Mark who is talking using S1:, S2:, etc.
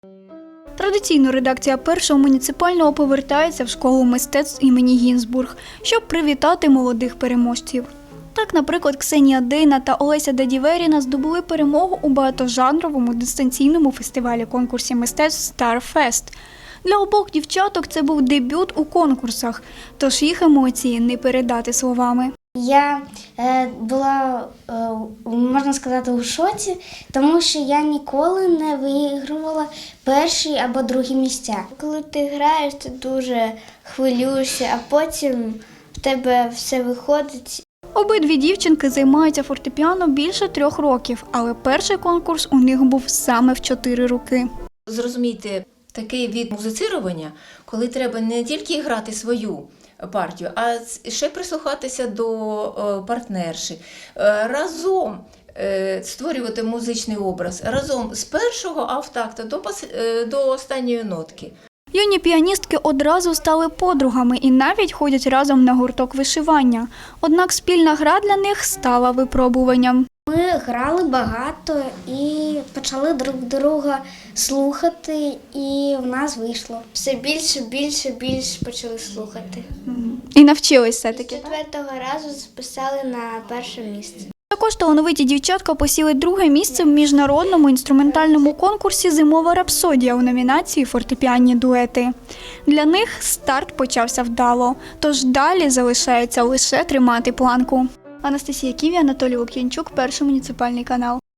S1: Традиційно редакція Першого муніципального повертається в школу мистецтв імені Гінзбург, щоб привітати молодих переможців. Так, наприклад, Ксенія Дейна та Олеся Дадіверіна здобули перемогу у багатожанровому дистанційному фестивалі-конкурсі мистецтв Starfest. Для обох дівчаток це був дебют у конкурсах, тож їх емоції не передати словами.
S2: Я була, можна сказати, у шоці, тому що я ніколи не вигравала перші або другі місця. Коли ти граєш, ти дуже хвилюєшся, а потім в тебе все виходить.
S1: Обидві дівчинки займаються фортепіано більше 3 років, але перший конкурс у них був саме в 4 роки.
S3: Зрозумійте, такий від музицирування, коли треба не тільки грати свою партію, а ще прислухатися до партнерші, разом створювати музичний образ, разом з першого автакту до останньої нотки.
S1: Юні піаністки одразу стали подругами і навіть ходять разом на гурток вишивання. Однак спільна гра для них стала випробуванням.
S2: Ми грали багато і почали друг друга слухати, і в нас вийшло. Все більше почали слухати.
S1: І навчились все-таки.
S2: З 4-го разу записали на перше місце.
S1: Також талановиті дівчатка посіли 2-ге місце в міжнародному інструментальному конкурсі «Зимова рапсодія» у номінації «Фортепіанні дуети». Для них старт почався вдало, тож далі залишається лише тримати планку. Анастасія Ківі, Анатолій Лук'янчук, Перший муніципальний канал.